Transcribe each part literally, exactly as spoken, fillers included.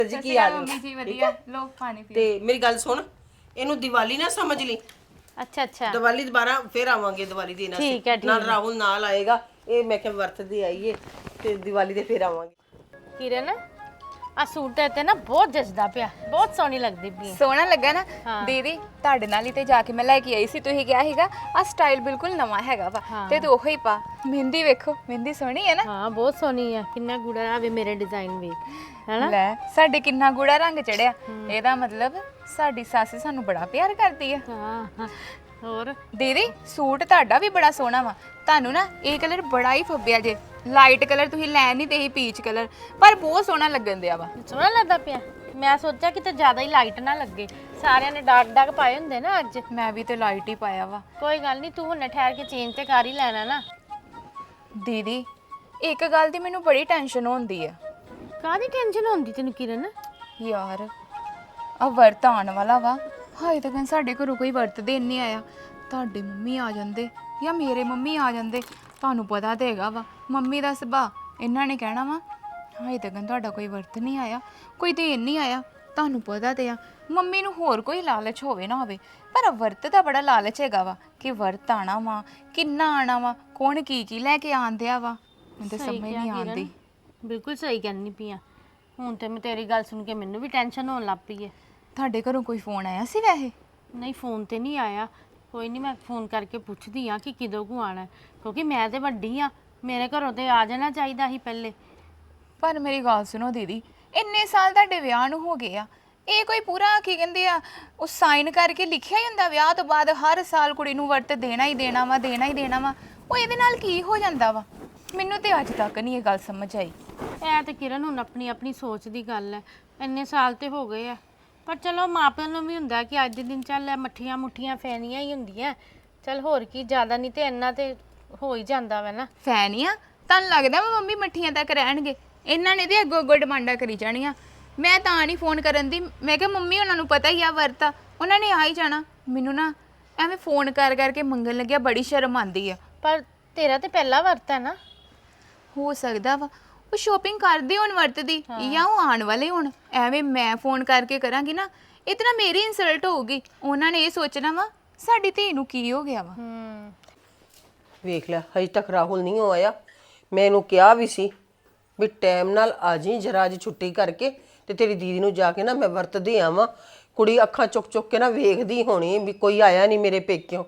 ਜੀ ਕੀ ਹਾਲ ਮੰਮੀ ਹੈ ਜੀ ਵਧੀਆ ਲੋ ਪਾਣੀ ਪੀ ਤੇ ਮੇਰੀ ਗੱਲ ਸੁਣ ਇਹਨੂੰ ਦੀਵਾਲੀ ਨਾ ਸਮਝ ਲਈ ਅੱਛਾ ਅੱਛਾ ਦੀਵਾਲੀ ਦੁਬਾਰਾ ਫੇਰ ਆਵਾਂਗੇ ਦੀਵਾਲੀ ਦੇਣ ਅਸੀਂ ਠੀਕ ਹੈ ਠੀਕ ਨਾਲ ਹੈ ਰਾਹੁਲ ਨਾਲ ਆਏਗਾ ਇਹ ਮੈਂ ਕਿਹਾ ਵਰਤਦੇ ਆਈਏ ਤੇ ਦੀਵਾਲੀ ਦੇ ਫੇਰ ਆਵਾਂਗੇ ਕਿਰਨ ਆ ਸੂਟ ਤੇ ਤੇ ਨਾ ਬਹੁਤ ਜਚਦਾ ਪਿਆ ਬਹੁਤ ਸੋਹਣੀ ਲੱਗਦੀ ਪਈ ਸੋਹਣਾ ਲੱਗਾ ਨਾ ਹਾਂ। ਦੀਦੀ ਤੁਹਾਡੇ ਨਾਲ ਹੀ ਤੇ ਜਾ ਕੇ ਮੈਂ ਲੈ ਕੇ ਆਈ ਸੀ ਤੁਸੀਂ ਕਿਹਾ ਸੀਗਾ ਆ ਸਟਾਈਲ ਬਿਲਕੁਲ ਨਵਾਂ ਹੈਗਾ ਵਾ ਤੇ ਤੂੰ ਉਹੀ ਪਾ ਮਹਿੰਦੀ ਵੇਖੋ ਮਹਿੰਦੀ ਸੋਹਣੀ ਹੈ ਨਾ ਹਾਂ ਬਹੁਤ ਸੋਹਣੀ ਆ ਕਿੰਨਾ ਗੂੜਾ ਆਵੇ ਮੇਰੇ ਡਿਜ਼ਾਈਨ ਵੇਖ ਹੈਨਾ ਲੈ ਸਾਡੇ ਕਿੰਨਾ ਗੂੜਾ ਰੰਗ ਚੜਿਆ ਇਹਦਾ ਮਤਲਬ ਸਾਡੀ ਸੱਸ ਸਾਨੂੰ ਬੜਾ ਪਿਆਰ ਕਰਦੀ ਆ ਹਾਂ ਹਾਂ ਹੋਰ ਦੀਦੀ ਸੂਟ ਤੁਹਾਡਾ ਵੀ ਬੜਾ ਸੋਹਣਾ ਵਾ ਤੁਹਾਨੂੰ ਨਾ ਇਹ ਕਲਰ ਬੜਾ ਹੀ ਫੱਬਿਆ ਜੇ ਲਾਈਟ ਕਲਰ ਤੁਸੀਂ ਲੈ ਨਹੀਂ ਤੇ ਹੀ ਪੀਚ ਕਲਰ ਪਰ ਬਹੁਤ ਸੋਹਣਾ ਲੱਗਣ ਦਿਆ ਵਾ ਸੋਹਣਾ ਲੱਗਦਾ ਪਿਆ ਮੈਂ ਸੋਚਿਆ ਕਿਤੇ ਜ਼ਿਆਦਾ ਹੀ ਲਾਈਟ ਨਾ ਲੱਗੇ ਸਾਰਿਆਂ ਨੇ ਡਾਰਕ ਡਾਰਕ ਪਾਏ ਹੁੰਦੇ ਨਾ ਅੱਜ ਮੈਂ ਵੀ ਤੇ ਲਾਈਟ ਹੀ ਪਾਇਆ ਵਾ ਕੋਈ ਗੱਲ ਨਹੀਂ ਤੂੰ ਹੁਣੇ ਠਹਿਰ ਕੇ ਚੇਂਜ ਤੇ ਕਰ ਹੀ ਲੈਣਾ ਨਾ ਦੀਦੀ ਇੱਕ ਗੱਲ ਦੀ ਮੈਨੂੰ ਬੜੀ ਟੈਨਸ਼ਨ ਹੁੰਦੀ ਆ ਕਾਹਦੀ ਟੈਨਸ਼ਨ ਹੁੰਦੀ ਤੈਨੂੰ ਕਿਰਨ ਯਾਰ ਆ ਵਰਤ ਆਉਣ ਵਾਲਾ ਵਾ ਹਾਏ ਤੱਕ ਸਾਡੇ ਘਰੋਂ ਕੋਈ ਵਰਤ ਦੇਣ ਨਹੀਂ ਆਇਆ ਤੁਹਾਡੇ ਮੰਮੀ ਆ ਜਾਂਦੇ ਜਾਂ ਮੇਰੇ ਮੰਮੀ ਆ ਜਾਂਦੇ ਤੁਹਾਨੂੰ ਪਤਾ ਤੇ ਹੈਗਾ ਵਾ ਮੰਮੀ ਦਾ ਸੁਭਾਅ ਇਹਨਾਂ ਨੇ ਕਹਿਣਾ ਵਾ ਹਾਏ ਤੱਕ ਤੁਹਾਡਾ ਕੋਈ ਵਰਤ ਨਹੀਂ ਆਇਆ ਕੋਈ ਦੇਣ ਨਹੀਂ ਆਇਆ ਤੁਹਾਨੂੰ ਪਤਾ ਤੇ ਆ ਮੰਮੀ ਨੂੰ ਹੋਰ ਕੋਈ ਲਾਲਚ ਹੋਵੇ ਨਾ ਹੋਵੇ ਪਰ ਵਰਤ ਦਾ ਬੜਾ ਲਾਲਚ ਹੈਗਾ ਵਾ ਕਿ ਵਰਤ ਆਣਾ ਵਾ ਕਿੰਨਾ ਆਣਾ ਵਾ ਕੌਣ ਕੀ ਕੀ ਲੈ ਕੇ ਆਂਦਿਆ ਵਾ ਮੈਨੂੰ ਤੇ ਸਮਝ ਨਹੀਂ ਆਉਂਦੀ ਬਿਲਕੁਲ ਸਹੀ ਕਹਿੰਦੀ ਪਈ ਆ ਹੁਣ ਤੇ ਮੈਂ ਤੇਰੀ ਗੱਲ ਸੁਣ ਕੇ ਮੈਨੂੰ ਵੀ ਟੈਨਸ਼ਨ ਹੋਣ ਲੱਗ ਪਈ ਹੈ ਤੁਹਾਡੇ ਘਰੋਂ ਕੋਈ ਫੋਨ ਆਇਆ ਸੀ ਵੈਸੇ ਨਹੀਂ ਫੋਨ ਤੇ ਨਹੀਂ ਆਇਆ ਕੋਈ ਨਹੀਂ ਮੈਂ ਫੋਨ ਕਰਕੇ ਪੁੱਛਦੀ ਆ ਕਿ ਕਿਦੋਂ ਕੁ ਆਣਾ ਕਿਉਂਕਿ ਮੈਂ ਤੇ ਵੱਡੀ ਆ ਮੇਰੇ ਘਰੋਂ ਤੇ ਆ ਜਾਣਾ ਚਾਹੀਦਾ ਸੀ ਪਹਿਲੇ ਪਰ ਮੇਰੀ ਗੱਲ ਸੁਣੋ ਦੀਦੀ ਇੰਨੇ ਸਾਲ ਤੁਹਾਡੇ ਵਿਆਹ ਨੂੰ ਹੋ ਗਏ ਆ ਇਹ ਕੋਈ ਪੂਰਾ ਕੀ ਕਹਿੰਦੇ ਆ ਉਹ ਸਾਈਨ ਕਰਕੇ ਲਿਖਿਆ ਹੀ ਹੁੰਦਾ ਵਿਆਹ ਤੋਂ ਬਾਅਦ ਹਰ ਸਾਲ ਕੁੜੀ ਨੂੰ ਵਰਤ ਦੇਣਾ ਹੀ ਦੇਣਾ ਵਾ ਦੇਣਾ ਹੀ ਦੇਣਾ ਵਾ ਉਹ ਇਹਦੇ ਨਾਲ ਕੀ ਹੋ ਜਾਂਦਾ ਵਾ ਮੈਨੂੰ ਤੇ ਅੱਜ ਤੱਕ ਨਹੀਂ ਇਹ ਗੱਲ ਸਮਝ ਆਈ ਐ ਤੇ ਕਿਰਨ ਹੁਣ ਆਪਣੀ ਆਪਣੀ ਸੋਚ ਦੀ ਗੱਲ ਹੈ ਇੰਨੇ ਸਾਲ ਤੇ ਹੋ ਗਏ ਆ ਪਰ ਚਲੋ ਮਾਪਿਆਂ ਨੂੰ ਵੀ ਹੁੰਦਾ ਕਿ ਅੱਜ ਦੇ ਦਿਨ ਚੱਲ ਮੱਠੀਆਂ ਮੁੱਠੀਆਂ ਫੈਨੀਆਂ ਹੀ ਹੁੰਦੀਆਂ ਚਲ ਹੋਰ ਕੀ ਜ਼ਿਆਦਾ ਨਹੀਂ ਤੇ ਇੰਨਾ ਤੇ ਹੋ ਹੀ ਜਾਂਦਾ ਵਾ ਨਾ ਫੈਨ ਹੀ ਆ ਤੁਹਾਨੂੰ ਲੱਗਦਾ ਵਾ ਮੰਮੀ ਮੱਠੀਆਂ ਤੱਕ ਰਹਿਣਗੇ ਇਹਨਾਂ ਨੇ ਤੇ ਅੱਗੋਂ ਅੱਗੋਂ ਡਿਮਾਂਡਾਂ ਕਰੀ ਜਾਣੀਆਂ ਮੈਂ ਤਾਂ ਨਹੀਂ ਫੋਨ ਕਰਨ ਦੀ ਮੈਂ ਕਿਹਾ ਮੰਮੀ ਉਹਨਾਂ ਨੂੰ ਪਤਾ ਹੀ ਆ ਵਰਤਾ ਉਹਨਾਂ ਨੇ ਆ ਹੀ ਜਾਣਾ ਮੈਨੂੰ ਨਾ ਐਵੇਂ ਫੋਨ ਕਰ ਕਰਕੇ ਮੰਗਣ ਲੱਗਿਆ ਬੜੀ ਸ਼ਰਮ ਆਉਂਦੀ ਆ ਪਰ ਤੇਰਾ ਤੇ ਪਹਿਲਾ ਵਰਤ ਹੈ ਨਾ ਹੋ ਸਕਦਾ ਵਾ ਉਹ ਸ਼ੋਪਿੰਗ ਕਰਦੇ ਹੋਣ ਵਰਤਦੀ ਜਾਂ ਉਹ ਆਉਣ ਵਾਲੇ ਹੋਣ ਐਵੇਂ ਮੈਂ ਫੋਨ ਕਰਕੇ ਕਰਾਂਗੀ ਨਾ ਇਤਨਾ ਮੇਰੀ ਇਨਸਲਟ ਹੋਊਗੀ ਉਹਨਾਂ ਨੇ ਇਹ ਸੋਚਣਾ ਵਾ ਸਾਡੀ ਧੀ ਨੂੰ ਕੀ ਹੋ ਗਿਆ ਵਾ ਹੂੰ ਵੇਖ ਲੈ ਹਜੇ ਤੱਕ ਰਾਹੁਲ ਨਹੀਂ ਆਇਆ ਮੈਂ ਇਹਨੂੰ ਕਿਹਾ ਵੀ ਸੀ ਵੀ ਟਾਈਮ ਨਾਲ ਆ ਜੀ ਜਰਾ ਅੱਜ ਛੁੱਟੀ ਕਰਕੇ ਤੇ ਤੇਰੀ ਦੀਦੀ ਨੂੰ ਜਾ ਕੇ ਨਾ ਮੈਂ ਵਰਤਦੇ ਆਵਾਂ ਕੁੜੀ ਅੱਖਾਂ ਚੁੱਕ ਚੁੱਕ ਕੇ ਨਾ ਵੇਖਦੀ ਹੋਣੀ ਵੀ ਕੋਈ ਆਇਆ ਨਹੀਂ ਮੇਰੇ ਪੇਕਿਓਂ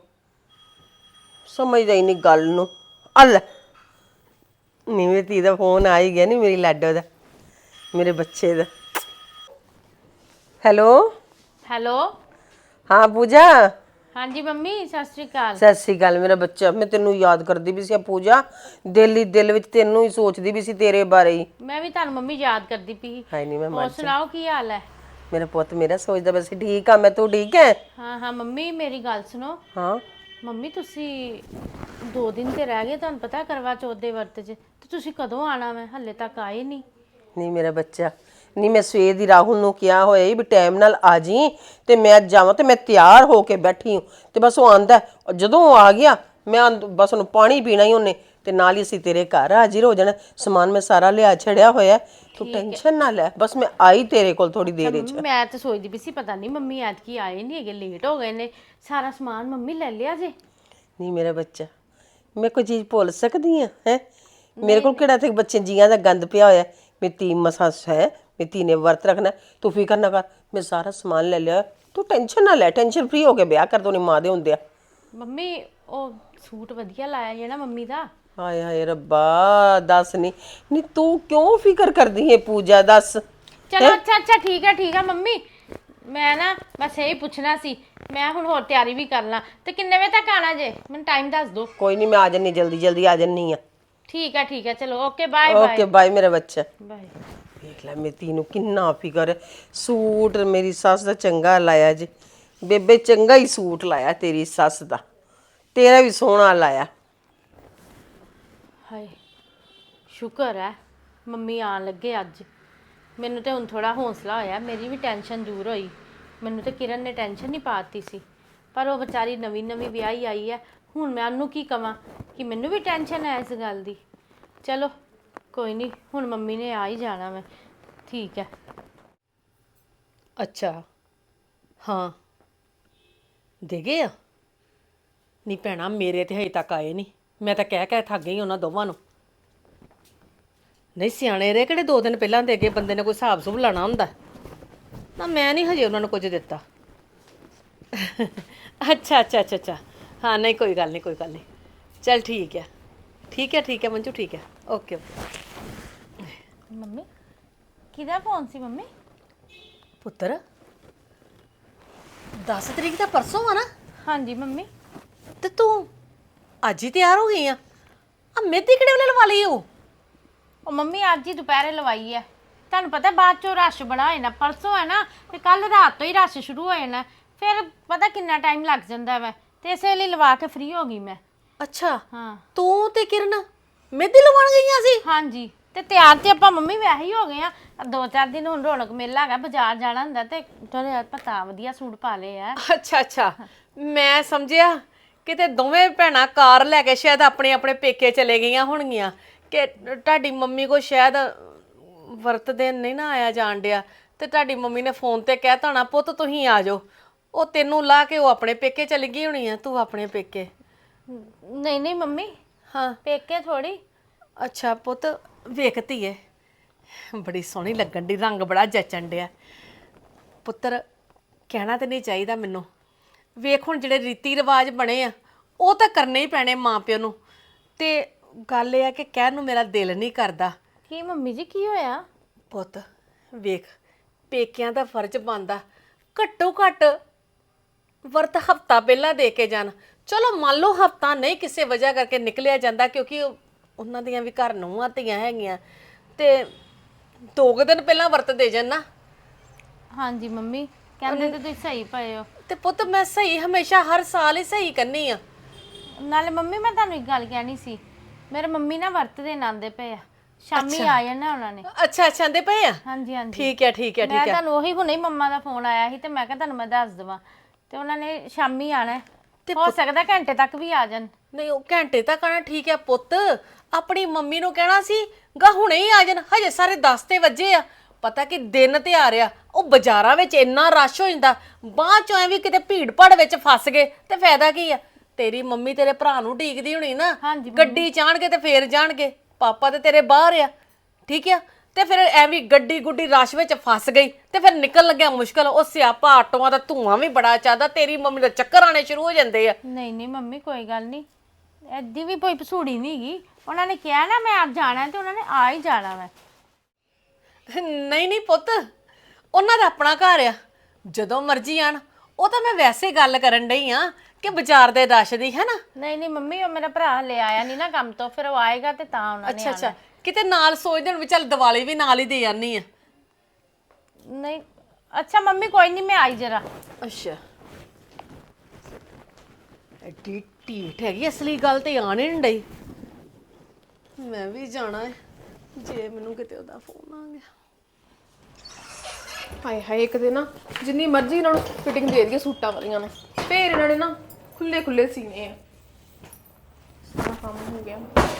ਸਮਝਦਾ ਹੀ ਨਹੀਂ ਗੱਲ ਨੂੰ ਅੱਲ ਨੀ ਮੇਰੀ ਧੀ ਦਾ ਫੋਨ ਆ ਹੀ ਗਿਆ ਨਹੀਂ ਮੇਰੀ ਲਾਡੋ ਦਾ ਮੇਰੇ ਬੱਚੇ ਦਾ ਹੈਲੋ ਹੈਲੋ ਹਾਂ ਪੂਜਾ ਹਾਂਜੀ ਮੰਮੀ ਸਤਿ ਸ਼੍ਰੀ ਅਕਾਲ ਸਤਿ ਸ਼੍ਰੀ ਅਕਾਲ ਮੇਰਾ ਬੱਚਾ ਮੈਂ ਤੈਨੂੰ ਯਾਦ ਕਰਦੀ ਵੀ ਸੀ ਪੂਜਾ ਦਿਲ ਹੀ ਦਿਲ ਵਿੱਚ ਤੈਨੂੰ ਹੀ ਸੋਚਦੀ ਵੀ ਸੀ ਤੇਰੇ ਬਾਰੇ ਹੀ ਮੈਂ ਵੀ ਤੁਹਾਨੂੰ ਮੰਮੀ ਯਾਦ ਕਰਦੀ ਪਈ ਹਾਏ ਨਹੀਂ ਮੈਂ ਹੋਰ ਸੁਣਾਓ ਕੀ ਹਾਲ ਹੈ ਮੇਰਾ ਪੁੱਤ ਮੇਰਾ ਸੋਚਦਾ ਬਸ ਠੀਕ ਆ ਮੈਂ ਤੂੰ ਠੀਕ ਹੈ ਹਾਂ ਹਾਂ ਮੰਮੀ ਮੇਰੀ ਗੱਲ ਸੁਣੋ ਹਾਂ ਮੰਮੀ ਤੁਸੀਂ ਦੋ ਦਿਨ ਤੇ ਰਹਿ ਗਏ ਤੁਹਾਨੂੰ ਪਤਾ ਕਰਵਾ ਚੌਥ ਦੇ ਵਰਤ 'ਚ ਤੇ ਤੁਸੀਂ ਕਦੋਂ ਆਣਾ ਮੈਂ ਹੱਲੇ ਤੱਕ ਆਏ ਨਹੀਂ ਨਹੀਂ ਮੇਰਾ ਬੱਚਾ ਨਹੀਂ ਮੈਂ ਸਵੇਰ ਦੀ ਰਾਹੁਲ ਨੂੰ ਕਿਹਾ ਹੋਇਆ ਸੀ ਵੀ ਟਾਈਮ ਨਾਲ ਆ ਜੀ ਤੇ ਮੈਂ ਜਾਵਾਂ ਤੇ ਮੈਂ ਤਿਆਰ ਹੋ ਕੇ ਬੈਠੀ ਹਾਂ ਤੇ ਬਸ ਉਹ ਆਂਦਾ ਜਦੋਂ ਉਹ ਆ ਗਿਆ ਮੈਂ ਬਸ ਉਹਨੂੰ ਪਾਣੀ ਪੀਣਾ ਹੀ ਉਹਨੇ ਤੇ ਨਾਲ ਹੀ ਅਸੀਂ ਤੇਰੇ ਘਰ ਹਾਜ਼ਰ ਹੋ ਜਾਣਾ ਸਮਾਨ ਮੈਂ ਸਾਰਾ ਲਿਆ ਛੜਿਆ ਹੋਇਆ ਤੂੰ ਟੈਨਸ਼ਨ ਨਾ ਲੈ ਬਸ ਮੈਂ ਆਈ ਤੇਰੇ ਕੋਲ ਥੋੜੀ ਦੇਰ ਵਿੱਚ ਮੈਂ ਤਾਂ ਸੋਚਦੀ ਵੀ ਸੀ ਪਤਾ ਨਹੀਂ ਮੰਮੀ ਐਤਕੀ ਆਏ ਨਹੀਂ ਹੈਗੇ ਲੇਟ ਹੋ ਗਏ ਨੇ ਸਾਰਾ ਸਮਾਨ ਮੰਮੀ ਲੈ ਲਿਆ ਜੇ ਨਹੀਂ ਮੇਰਾ ਬੱਚਾ ਮੈਂ ਕੋਈ ਚੀਜ਼ ਭੁੱਲ ਸਕਦੀ ਆ ਹੈ ਮੇਰੇ ਕੋਲ ਕਿਹੜਾ ਤੇ ਬੱਚੇ ਜੀਆਂ ਦਾ ਗੰਦ ਪਿਆ ਹੋਇਆ ਮੇਰੀ ਧੀ ਮਸਾਂ ਹੈ ਮੇਰੀ ਧੀ ਨੇ ਵਰਤ ਰੱਖਣਾ ਤੂੰ ਫਿਕਰ ਨਾ ਕਰ ਮੈਂ ਸਾਰਾ ਸਮਾਨ ਲੈ ਲਿਆ ਤੂੰ ਟੈਨਸ਼ਨ ਨਾ ਲੈ ਟੈਨਸ਼ਨ ਫ੍ਰੀ ਹੋ ਕੇ ਵਿਆਹ ਕਰ ਦੋ ਨੀ ਮਾਂ ਦੇ ਹੁੰਦੇ ਆ ਮੰਮੀ ਉਹ ਸੂਟ ਵਧੀਆ ਲਾਇਆ ਜਿਹੜਾ ਮੰਮੀ ਦਾ ਹਾਏ ਹਾਏ ਰੱਬਾ ਦੱਸ ਨਹੀਂ ਨਹੀਂ ਤੂੰ ਕਿਉਂ ਫਿਕਰ ਕਰਦੀ ਹੈ ਪੂਜਾ ਦੱਸ ਚਲੋ ਅੱਛਾ ਅੱਛਾ ਠੀਕ ਹੈ ਠੀਕ ਹੈ ਮੰਮੀ ਮੈਂ ਨਾ ਬਸ ਇਹੀ ਪੁੱਛਣਾ ਸੀ ਮੈਂ ਹੁਣ ਹੋਰ ਤਿਆਰੀ ਵੀ ਕਰ ਲਾਂ ਤੇ ਕਿੰਨੇ ਵਜੇ ਤੱਕ ਆਣਾ ਜੇ ਮੈਨੂੰ ਟਾਈਮ ਦੱਸ ਦਿਓ ਕੋਈ ਨਹੀਂ ਮੈਂ ਆ ਜੰਨੀ ਜਲਦੀ ਜਲਦੀ ਆ ਜੰਨੀ ਆ ਠੀਕ ਹੈ ਠੀਕ ਹੈ ਚਲੋ okay bye bye okay bye ਮੇਰਾ ਬੱਚਾ ਬਾਏ ਵੇਖ ਲੈ ਮੇਰੀ ਧੀ ਨੂੰ ਕਿੰਨਾ ਫਿਕਰ ਹੈ ਸੂਟ ਮੇਰੀ ਸੱਸ ਦਾ ਚੰਗਾ ਲਾਇਆ ਜੀ ਬੇਬੇ ਚੰਗਾ ਹੀ ਸੂਟ ਲਾਇਆ ਤੇਰੀ ਸੱਸ ਦਾ ਤੇਰਾ ਵੀ ਸੋਹਣਾ ਲਾਇਆ ਹਾਏ ਸ਼ੁਕਰ ਹੈ ਮੰਮੀ ਆਣ ਲੱਗੇ ਅੱਜ ਮੈਨੂੰ ਤੇ ਹੁਣ ਥੋੜਾ ਹੌਸਲਾ ਹੋਇਆ ਮੇਰੀ ਵੀ ਟੈਨਸ਼ਨ ਦੂਰ ਹੋਈ ਮੈਨੂੰ ਤੇ ਕਿਰਨ ਨੇ ਟੈਨਸ਼ਨ ਨਹੀਂ ਪਾਤੀ ਸੀ ਪਰ ਉਹ ਵਿਚਾਰੀ ਨਵੀਂ ਨਵੀਂ ਵਿਆਹੀ ਆਈ ਹੈ ਹੁਣ ਮੈਂ ਉਹਨੂੰ ਕੀ ਕਵਾਂ ਕਿ ਮੈਨੂੰ ਵੀ ਟੈਨਸ਼ਨ ਹੈ ਇਸ ਗੱਲ ਦੀ ਚਲੋ ਕੋਈ ਨਹੀਂ ਹੁਣ ਮੰਮੀ ਨੇ ਆ ਹੀ ਜਾਣਾ ਮੈਂ ਠੀਕ ਹੈ ਅੱਛਾ ਹਾਂ ਦੇ ਗਏ ਆ ਨਹੀਂ ਭੈਣਾ ਮੇਰੇ ਤੇ ਹਜੇ ਤੱਕ ਆਏ ਨਹੀਂ ਮੈਂ ਤਾਂ ਕਹਿ ਕਹਿ ਥੱਕ ਗਈ ਉਹਨਾਂ ਦੋਵਾਂ ਨੂੰ ਨਹੀਂ ਸਿਆਣੇ ਰੇ ਕਿਹੜੇ ਦੋ ਦਿਨ ਪਹਿਲਾਂ ਦੇ ਗਏ ਬੰਦੇ ਨੇ ਕੋਈ ਹਿਸਾਬ ਸੁਭ ਲਾਣਾ ਹੁੰਦਾ ਨਾ ਮੈਂ ਨਹੀਂ ਹਜੇ ਉਹਨਾਂ ਨੂੰ ਕੁਝ ਦਿੱਤਾ ਅੱਛਾ ਅੱਛਾ ਅੱਛਾ ਅੱਛਾ ਹਾਂ ਨਹੀਂ ਕੋਈ ਗੱਲ ਨਹੀਂ ਕੋਈ ਗੱਲ ਨਹੀਂ ਚਲ ਠੀਕ ਹੈ ਠੀਕ ਹੈ ਠੀਕ ਹੈ ਮੰਜੂ ਠੀਕ ਹੈ ਓਕੇ ਮੰਮੀ ਕਿਹਦਾ ਫੋਨ ਸੀ ਮੰਮੀ ਪੁੱਤਰ ਦਸ ਤਰੀਕ ਦਾ ਪਰਸੋਂ ਆ ਨਾ ਹਾਂਜੀ ਮੰਮੀ। ਤੇ ਤੂੰ ਅੱਜ ਹੀ ਤਿਆਰ ਹੋ ਗਈ ਆ ਆ ਮਹਿੰਦੀ ਕਿਹੜੇ ਵੇਲੇ ਲਵਾ ਲਈ ਉਹ ਉਹ ਮੰਮੀ ਅੱਜ ਹੀ ਦੁਪਹਿਰੇ ਲਵਾਈ ਹੈ। ਤੁਹਾਨੂੰ ਪਤਾ ਬਾਅਦ ਚੋਂ ਰਸ਼ ਬੜਾ ਹੋ ਜਾਣਾ, ਪਰਸੋਂ ਹੈ ਨਾ ਤੇ ਕੱਲ ਰਾਤ ਤੋਂ ਹੀ ਰਸ਼ ਸ਼ੁਰੂ ਹੋ ਜਾਣਾ, ਫਿਰ ਪਤਾ ਕਿੰਨਾ ਟਾਈਮ ਲੱਗ ਜਾਂਦਾ ਵਾ, ਤੇ ਇਸੇ ਲਈ ਲਵਾ ਕੇ ਫ੍ਰੀ ਹੋ ਗਈ ਮੈਂ। ਅੱਛਾ ਹਾਂ ਤੂੰ ਤੇ ਕਿਰਨ ਮਹਿੰਦੀ ਲਵਾਉਣ ਗਈਆਂ ਸੀ? ਹਾਂਜੀ ਤੇ ਤਿਆਰ ਤੇ ਆਪਾਂ ਮੰਮੀ ਵੈਸੇ ਹੀ ਹੋ ਗਏ ਆ। ਦੋ ਚਾਰ ਦਿਨ ਹੁਣ ਰੌਣਕ ਮੇਲਾ ਹੈਗਾ, ਬਾਜ਼ਾਰ ਜਾਣਾ ਹੁੰਦਾ ਤੇ ਥੋੜੇ ਪਤਾ ਵਧੀਆ ਸੂਟ ਪਾ ਲਏ ਆ। ਅੱਛਾ ਅੱਛਾ ਮੈਂ ਸਮਝਿਆ ਕਿਤੇ ਦੋਵੇਂ ਭੈਣਾਂ ਕਾਰ ਲੈ ਕੇ ਸ਼ਾਇਦ ਆਪਣੇ ਆਪਣੇ ਪੇਕੇ ਚਲੇ ਗਈਆਂ ਹੋਣਗੀਆਂ ਕਿ ਤੁਹਾਡੀ ਮੰਮੀ ਕੋ ਸ਼ਾਇਦ ਵਰਤ ਦਿਨ ਨਹੀਂ ਨਾ ਆਇਆ ਜਾਣ ਡਿਆ ਤੇ ਤੁਹਾਡੀ ਮੰਮੀ ਨੇ ਫੋਨ ਤੇ ਕਹਿ ਤਾਣਾ ਪੁੱਤ ਤੁਸੀਂ ਆ ਜਾਓ, ਉਹ ਤੈਨੂੰ ਲਾ ਕੇ ਉਹ ਆਪਣੇ ਪੇਕੇ ਚਲੀ ਗਈ ਹੋਣੀ ਆ, ਤੂੰ ਆਪਣੇ ਪੇਕੇ। ਨਹੀਂ ਨਹੀਂ ਮੰਮੀ ਹਾਂ ਪੇਕੇ ਥੋੜੀ। ਅੱਛਾ ਪੁੱਤ ਵੇਖਤੀ ਏ ਬੜੀ ਸੋਹਣੀ ਲੱਗਣ ਦੀ, ਰੰਗ ਬੜਾ ਜਚਣ ਡਿਆ ਪੁੱਤਰ। ਕਹਿਣਾ ਤੇ ਨਹੀਂ ਚਾਹੀਦਾ ਮੈਨੂੰ, ਵੇਖ ਹੁਣ ਜਿਹੜੇ ਰੀਤੀ ਰਿਵਾਜ ਬਣੇ ਆ ਉਹ ਤਾਂ ਕਰਨੇ ਹੀ ਪੈਣੇ ਮਾਂ ਪਿਓ ਨੂੰ, ਤੇ ਗੱਲ ਇਹ ਆ ਕਿ ਕਹਿਣ ਨੂੰ ਮੇਰਾ ਦਿਲ ਨਹੀਂ ਕਰਦਾ। ਕੀ ਮੰਮੀ ਜੀ ਕੀ ਹੋਇਆ? ਪੁੱਤ ਵੇਖ ਪੇਕਿਆਂ ਦਾ ਫਰਜ਼ ਬਣਦਾ ਘੱਟੋ ਘੱਟ ਵਰਤ ਹਫਤਾ ਪਹਿਲਾਂ ਦੇ ਕੇ ਜਾਣ। ਚਲੋ ਮੰਨ ਲਓ ਹਫਤਾ ਨਹੀਂ ਕਿਸੇ ਵਜ੍ਹਾ ਕਰਕੇ ਨਿਕਲਿਆ ਜਾਂਦਾ ਕਿਉਂਕਿ ਉਹ- ਉਹਨਾਂ ਦੀਆਂ ਵੀ ਘਰ ਨੂੰਹਾਂ ਧੀਆਂ ਹੈਗੀਆਂ, ਤੇ ਦੋ ਕੁ ਦਿਨ ਪਹਿਲਾਂ ਵਰਤ ਦੇ ਜਾਣ ਨਾ। ਹਾਂਜੀ ਮੰਮੀ ਕਹਿੰਦੇ ਤੇ ਤੁਸੀਂ ਸਹੀ ਪਏ ਹੋ। ਤੇ ਪੁੱਤ ਮੈਂ ਸਹੀ ਹਮੇਸ਼ਾ ਹਰ ਸਾਲ ਹੀ ਸਹੀ ਕਰਨੀ ਆ। ਨਾਲੇ ਮੰਮੀ ਮੈਂ ਤੁਹਾਨੂੰ ਇੱਕ ਗੱਲ ਕਹਿਣੀ ਸੀ, ਮੇਰੇ ਮੰਮੀ ਨਾ ਵਰਤ ਦੇ ਆਂਦੇ ਪਏ ਆ, ਸ਼ਾਮੀ ਆ ਜਾਣਾ ਉਹਨਾਂ ਨੇ। ਅੱਛਾ ਅੱਛਾ ਆਂਦੇ ਪਏ ਆ? ਹਾਂਜੀ ਹਾਂਜੀ ਠੀਕ ਹੈ ਠੀਕ ਹੈ ਮੈਂ ਠੀਕ ਹੈ। ਤੁਹਾਨੂੰ ਉਹੀ ਹੁਣੇ ਹੀ ਮੰਮਾ ਦਾ ਫੋਨ ਆਇਆ ਸੀ ਤੇ ਮੈਂ ਕਿਹਾ ਤੁਹਾਨੂੰ ਮੈਂ ਦੱਸ ਦੇਵਾਂ, ਤੇ ਉਹਨਾਂ ਨੇ ਸ਼ਾਮੀ ਆਣਾ, ਤੇ ਹੋ ਸਕਦਾ ਘੰਟੇ ਤੱਕ ਵੀ ਆ ਜਾਣ। ਨਹੀਂ ਉਹ ਘੰਟੇ ਤੱਕ ਆਣਾ ਠੀਕ ਹੈ ਪੁੱਤ, ਆਪਣੀ ਮੰਮੀ ਨੂੰ ਕਹਿਣਾ ਸੀ ਗਾ ਹੁਣੇ ਹੀ ਆ ਜਾਣ, ਹਜੇ ਸਾਰੇ ਦਸ ਤੇ ਵਜੇ ਆ। ਪਤਾ ਕਿ ਦਿਨ ਤੇ ਆ ਰਿਹਾ, ਉਹ ਬਾਜ਼ਾਰਾਂ ਵਿੱਚ ਇੰਨਾ ਰਸ਼ ਹੋ ਜਾਂਦਾ, ਬਾਅਦ ਚੋਂ ਐਵੇਂ ਕਿਤੇ ਭੀੜ ਭੜ ਵਿੱਚ ਫਸ ਗਏ ਤੇ ਫਾਇਦਾ ਕੀ ਆ। ਤੇਰੀ ਮੰਮੀ ਤੇਰੇ ਭਰਾ ਨੂੰ ਢੀਕਦੀ ਹੋਣੀ ਨਾ, ਗੱਡੀ ਚਾਣਗੇ ਤੇ ਫੇਰ ਜਾਣਗੇ, ਪਾਪਾ ਤੇ ਤੇਰੇ ਬਾਹਰ ਆ, ਠੀਕ ਆ। ਤੇ ਫਿਰ ਐਵੇਂ ਗੱਡੀ ਗੁੱਡੀ ਰਸ਼ ਵਿੱਚ ਫਸ ਗਈ ਤੇ ਫਿਰ ਨਿਕਲ ਲੱਗਿਆ ਮੁਸ਼ਕਲ, ਉਹ ਸਿਆਪਾ ਆਟੋਆਂ ਦਾ ਧੂਆਂ ਵੀ ਬੜਾ ਚਾਹਦਾ, ਤੇਰੀ ਮੰਮੀ ਦੇ ਚੱਕਰ ਆਣੇ ਸ਼ੁਰੂ ਹੋ ਜਾਂਦੇ ਆ। ਨਹੀਂ ਨਹੀਂ ਮੰਮੀ ਕੋਈ ਗੱਲ ਨਹੀਂ, ਐਦੀ ਵੀ ਕੋਈ ਭਸੂੜੀ ਨਹੀਂ ਗਈ, ਉਹਨਾਂ ਨੇ ਕਿਹਾ ਨਾ ਮੈਂ ਅੱਜ ਜਾਣਾ ਤੇ ਉਹਨਾਂ ਨੇ ਆ ਹੀ ਜਾਣਾ ਵਾ। ਨਹੀਂ ਨਹੀਂ ਪੁੱਤ ਉਹਨਾਂ ਦਾ ਆਪਣਾ ਘਰ ਆ, ਜਦੋਂ ਮਰਜ਼ੀ ਆਣ। ਉਹ ਤਾਂ ਮੈਂ ਵੈਸੇ ਗੱਲ ਕਰਨ ਡਈ ਆ ਕਿ ਬਾਜ਼ਾਰ ਦੇ ਰਸ਼ ਦੀ ਹੈ ਨਾ। ਨਹੀਂ ਨਹੀਂ ਮੰਮੀ ਉਹ ਮੇਰਾ ਭਰਾ ਹਲੇ ਆਇਆ ਨਹੀਂ ਨਾ ਕੰਮ ਤੋਂ, ਫਿਰ ਉਹ ਆਏਗਾ ਤੇ ਤਾਂ ਉਹਨਾਂ ਨੇ ਅੱਛਾ ਅੱਛਾ ਕਿਤੇ ਨਾਲ ਸੋਚਦੇ ਹੁਣ ਵੀ ਚੱਲ ਦੀਵਾਲੀ ਵੀ ਨਾਲ ਹੀ ਦੇ ਜਾਨੀ ਆ। ਨਹੀਂ ਅੱਛਾ ਮੰਮੀ ਕੋਈ ਨਹੀਂ ਮੈਂ ਆਈ ਜਰਾ। ਅੱਛਾ ਐਡੀ ਢੀਠ ਹੈਗੀ, ਅਸਲੀ ਗੱਲ ਤੇ ਆਣ ਹੀ ਨਹੀਂ ਡਈ। ਮੈਂ ਵੀ ਜਾਣਾ ਹੈ ਜੇ ਮੈਨੂੰ ਕਿਤੇ ਉਹਦਾ ਫੋਨ ਆ ਗਿਆ। ਹਾਏ ਹਾਏ ਇੱਕ ਦਿਨ ਨਾ ਜਿੰਨੀ ਮਰਜ਼ੀ ਇਹਨਾਂ ਨੂੰ ਫਿਟਿੰਗ ਦੇ ਦਈਏ ਸੂਟਾਂ ਵਾਲੀਆਂ ਨੂੰ, ਫੇਰ ਇਹਨਾਂ ਨੇ ਨਾ ਖੁੱਲੇ ਖੁੱਲੇ ਸੀਨੇ ਆ। ਸਾਰਾ ਕੰਮ ਹੋ ਗਿਆ,